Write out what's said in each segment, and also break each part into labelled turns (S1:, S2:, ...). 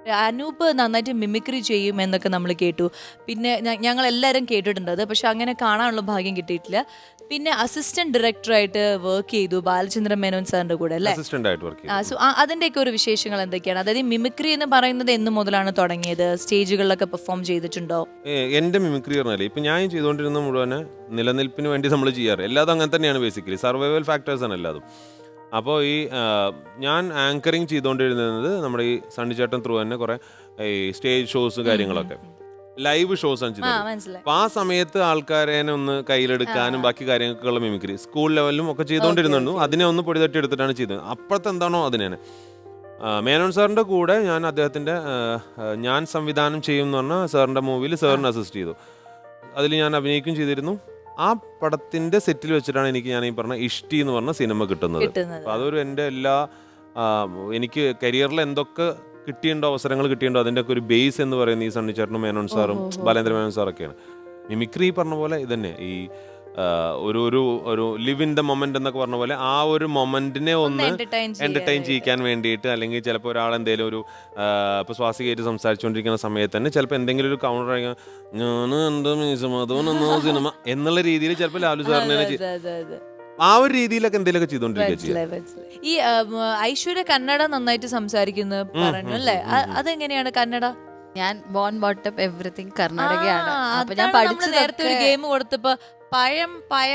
S1: അനൂപ് നന്നായിട്ട് മിമിക്രി ചെയ്യും എന്നൊക്കെ നമ്മൾ കേട്ടു. പിന്നെ ഞങ്ങൾ എല്ലാവരും കേട്ടിട്ടുണ്ട് അത്, പക്ഷെ അങ്ങനെ കാണാനുള്ള ഭാഗ്യം കിട്ടിയിട്ടില്ല. പിന്നെ അസിസ്റ്റന്റ് ഡയറക്ടറായിട്ട് വർക്ക് ചെയ്തു ബാലചന്ദ്രൻ മേനോൻ സാറിന്റെ കൂടെ അല്ലേ?
S2: അസിസ്റ്റന്റ് ആയിട്ട് വർക്ക് ചെയ്തു.
S1: സോ അതിന്റെയൊക്കെ ഒരു വിശേഷങ്ങൾ എന്തൊക്കെയാണ്? അതായത് മിമിക്രി എന്ന് പറയുന്നത് എന്ന് മുതലാണ് തുടങ്ങിയത്? സ്റ്റേജുകളിലൊക്കെ പെർഫോം ചെയ്തിട്ടുണ്ടോ?
S2: എന്റെ മിമിക്രി പറഞ്ഞാല് ഇപ്പൊ ഞാൻ ചെയ്തുകൊണ്ടിരുന്ന മുഴുവന് നിലനിൽപ്പിന് വേണ്ടി നമ്മൾ ചെയ്യാറ്. എല്ലാതും അങ്ങനെ തന്നെയാണ്. ബേസിക്കലി സർവൈവൽ ഫാക്ടേഴ്സ് ആണ് എല്ലാതും. അപ്പോൾ ഈ ഞാൻ ആങ്കറിങ് ചെയ്തുകൊണ്ടിരുന്നത് നമ്മുടെ ഈ സണ്ണിച്ചേട്ടൻ ത്രൂ തന്നെ കുറെ ഈ സ്റ്റേജ് ഷോസ് കാര്യങ്ങളൊക്കെ ലൈവ് ഷോസ് ആണ് ചെയ്തത്. അപ്പൊ ആ സമയത്ത് ആൾക്കാരെ ഒന്ന് കയ്യിലെടുക്കാനും ബാക്കി കാര്യങ്ങൾക്കുള്ള മിമിക്രി സ്കൂൾ ലെവലിലും ഒക്കെ ചെയ്തുകൊണ്ടിരുന്നു. അതിനെ ഒന്ന് പൊടി തട്ടി എടുത്തിട്ടാണ് ചെയ്തത്. അപ്പോഴത്തെ എന്താണോ അതിനാണ് മേനോൻ സാറിന്റെ കൂടെ ഞാൻ അദ്ദേഹത്തിന്റെ ഞാൻ സംവിധാനം ചെയ്യും എന്ന് പറഞ്ഞ സാറിന്റെ മൂവിയിൽ സാറിന് അസിസ്റ്റ് ചെയ്തു. അതിൽ ഞാൻ അഭിനയിക്കുകയും ചെയ്തിരുന്നു. ആ പടത്തിന്റെ സെറ്റിൽ വെച്ചിട്ടാണ് എനിക്ക് ഞാൻ ഈ പറഞ്ഞ ഇഷ്ടി എന്ന് പറഞ്ഞ സിനിമ കിട്ടുന്നത്. അപ്പൊ അതൊരു എൻ്റെ എല്ലാ എനിക്ക് കരിയറിൽ എന്തൊക്കെ കിട്ടിയുണ്ടോ, അവസരങ്ങൾ കിട്ടിയുണ്ടോ, അതിൻ്റെ ഒക്കെ ഒരു ബേസ് എന്ന് പറയുന്നത് ഈ സണ്ണിച്ചേട്ടനും മേനോൻ സാറും ബാലേന്ദ്ര മേനോൻ സാറൊക്കെയാണ്. മിമിക്രി പറഞ്ഞ പോലെ ഇതന്നെ ഈ ഒരു ഒരു ഒരു ലിവ് ഇൻ ദ മൊമെന്റ് എന്നൊക്കെ പറഞ്ഞ പോലെ ആ ഒരു മൊമെന്റിനെ ഒന്ന് എന്റർടൈൻ ചെയ്യിക്കാൻ വേണ്ടിയിട്ട്, അല്ലെങ്കിൽ ചിലപ്പോൾ ഒരാൾ എന്തെങ്കിലും ഒരു ഇപ്പൊ സ്വാസികയായിട്ട് സംസാരിച്ചുകൊണ്ടിരിക്കുന്ന സമയത്ത് തന്നെ ചിലപ്പോൾ എന്തെങ്കിലും ഒരു കൗണ്ടർ അയക്കാൻ ഞാൻ എന്താ സിനിമ എന്നുള്ള രീതിയിൽ ചിലപ്പോൾ ലാലു സാറിനെ ആ ഒരു രീതിയിലൊക്കെ എന്തെങ്കിലുമൊക്കെ ചെയ്തോണ്ടിരിക്കുക.
S1: ഈ ഐശ്വര്യ കന്നഡ നന്നായിട്ട് സംസാരിക്കുന്നു പറഞ്ഞു അല്ലേ? അതെങ്ങനെയാണ് കന്നഡ?
S3: ഞാൻ ബോൺ ബോട്ടപ്പ് എവറിത്തിങ് കർണാടകയാണ്. അപ്പൊ ഞാൻ പഠിച്ചു.
S1: നേരത്തെ ഒരു ഗെയിം കൊടുത്തപ്പോ പയം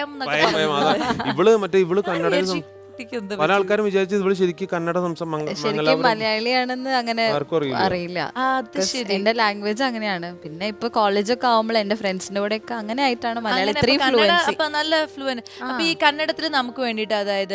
S2: ഇവള് കന്നഡ പല ആൾക്കാരും വിചാരിച്ചത് ഇവള് ശരിക്കും കന്നഡ
S3: ശരിക്കും മലയാളിയാണെന്ന് അങ്ങനെ അറിയില്ല. എന്റെ ലാംഗ്വേജ് അങ്ങനെയാണ്. പിന്നെ ഇപ്പൊ കോളേജൊക്കെ ആവുമ്പോൾ എന്റെ ഫ്രണ്ട്സിന്റെ കൂടെ ഒക്കെ അങ്ങനെ ആയിട്ടാണ് മലയാളം ഇത്രയും ഫ്ലുവൻസി.
S1: നല്ല ഫ്ലുവന്റ്. അപ്പൊ ഈ കന്നഡത്തിൽ നമുക്ക് വേണ്ടിട്ട്, അതായത്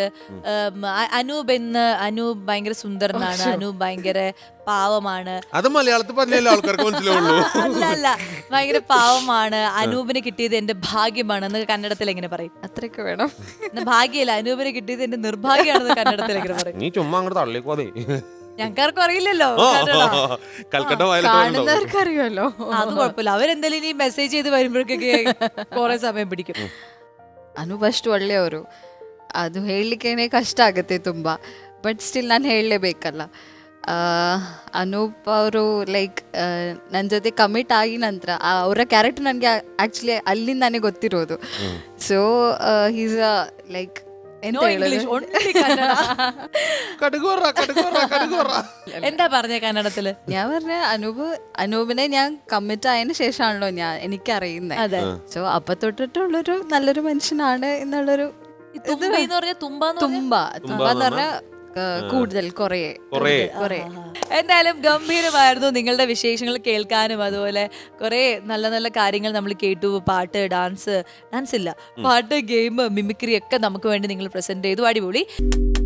S1: അനൂപ് ഭയങ്കര സുന്ദരനാണ്, അനൂപ് ഭയങ്കര പാവമാണ്,
S2: അത് മലയാളത്തിൽ പറഞ്ഞാലേ ആൾക്കാർക്ക് മനസ്സിലാവുള്ളൂ.
S1: അല്ല ഭയങ്കര പാവമാണ്, അനൂപിന് കിട്ടിയത് എന്റെ ഭാഗ്യമാണ് എന്ന് കന്നഡത്തിൽ എങ്ങനെ പറയും?
S3: അത്രയൊക്കെ വേണം.
S1: ഭാഗ്യല്ല, അനൂപിന് കിട്ടിയത് എന്റെ നിർഭാഗ്യമാണെന്ന് കന്നഡത്തിൽ എങ്ങനെ പറയും?
S2: നീ ചുമ്മാ അങ്ങോട്ട് തള്ളിക്കോ.
S1: ഞങ്ങൾക്കാർക്കും അറിയില്ലല്ലോ,
S3: കാണുന്നവർക്ക് അറിയുമല്ലോ.
S1: അത് കുഴപ്പമില്ല. അവരെന്തായാലും ഇനി മെസ്സേജ് ചെയ്ത് വരുമ്പോഴേക്കൊക്കെ കുറെ സമയം പിടിക്കും.
S3: ಅನು ಅಷ್ಟು ಒಳ್ಳೆಯವರು. ಅದು ಹೇಳಲಿಕ್ಕೇನೆ ಕಷ್ಟ ಆಗುತ್ತೆ ತುಂಬ. ಬಟ್ ಸ್ಟಿಲ್ ನಾನು ಹೇಳಲೇಬೇಕಲ್ಲ. ಅನೂಪ್ ಅವರು ಲೈಕ್ ನನ್ನ ಜೊತೆ ಕಮಿಟ್ ಆಗಿ ನಂತರ ಅವರ ಕ್ಯಾರೆಕ್ಟರ್ ನನಗೆ ಆ್ಯಕ್ಚುಲಿ ಅಲ್ಲಿಂದಾನೇ ಗೊತ್ತಿರೋದು. ಸೊ ಹೀಸ್ ಲೈಕ್ ಎಂತ ಹೇಳೋದು,
S1: എന്താ പറഞ്ഞ കന്നഡത്തില്?
S3: ഞാൻ പറഞ്ഞ അനൂപിനെ ഞാൻ കമ്മിറ്റ് ആയതിനു ശേഷമാണല്ലോ എനിക്കറിയുന്നത്. സോ അപ്പൊ തൊട്ടിട്ടുള്ളൊരു നല്ലൊരു മനുഷ്യനാണ് എന്നുള്ളൊരു തുമ്പ പറഞ്ഞ കൂടുതൽ കുറേ.
S1: എന്തായാലും ഗംഭീരമായിരുന്നു നിങ്ങളുടെ വിശേഷങ്ങൾ കേൾക്കാനും. അതുപോലെ കുറെ നല്ല നല്ല കാര്യങ്ങൾ നമ്മൾ കേട്ടു. പാട്ട്, ഡാൻസ് ഇല്ല, പാട്ട്, ഗെയിം, മിമിക്രി ഒക്കെ നമുക്ക് വേണ്ടി നിങ്ങൾ പ്രസന്റ് ചെയ്തു. അടിപൊളി.